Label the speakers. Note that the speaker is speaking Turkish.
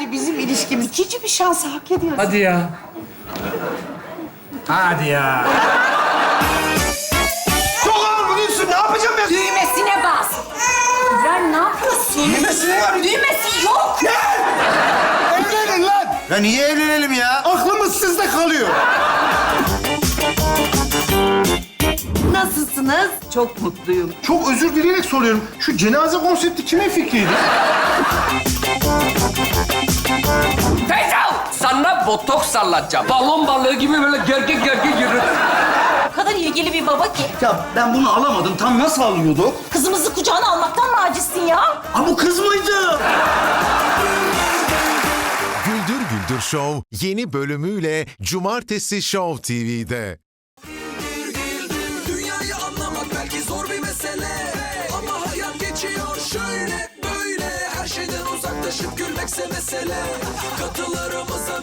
Speaker 1: bence bizim ilişkimiz ikinci bir şansı hak ediyor.
Speaker 2: Hadi ya.
Speaker 3: Hadi ya.
Speaker 4: Çok ağır buluyorsun. Ne yapacağım ben?
Speaker 5: Düğmesine bas. İbrahim ne yapıyorsun?
Speaker 4: Düğmesine var.
Speaker 5: Düğmesi yok.
Speaker 4: Evlenin lan.
Speaker 3: Ya niye evlenelim ya?
Speaker 4: Aklımız sizde kalıyor.
Speaker 1: Nasılsınız? Çok mutluyum.
Speaker 4: Çok özür dileyerek soruyorum. Şu cenaze konsepti kimin fikriydi?
Speaker 2: Teyze! Sana botoks sallatacağım. Balon balığı gibi böyle gergin gergin yürü.
Speaker 5: O kadar ilgili bir baba ki.
Speaker 3: Ya ben bunu alamadım. Tam nasıl alıyorduk?
Speaker 5: Kızımızı kucağına almaktan mı acizsin ya?
Speaker 3: Ha bu kız mıydı?
Speaker 6: Güldür Güldür Show yeni bölümüyle Cumartesi Show TV'de.
Speaker 7: Dünyayı anlamak belki zor bir mesele, ama hayat geçiyor şöyle böyle. Her şeyden uzaklaşıp gülmekse mesele. Katılarımıza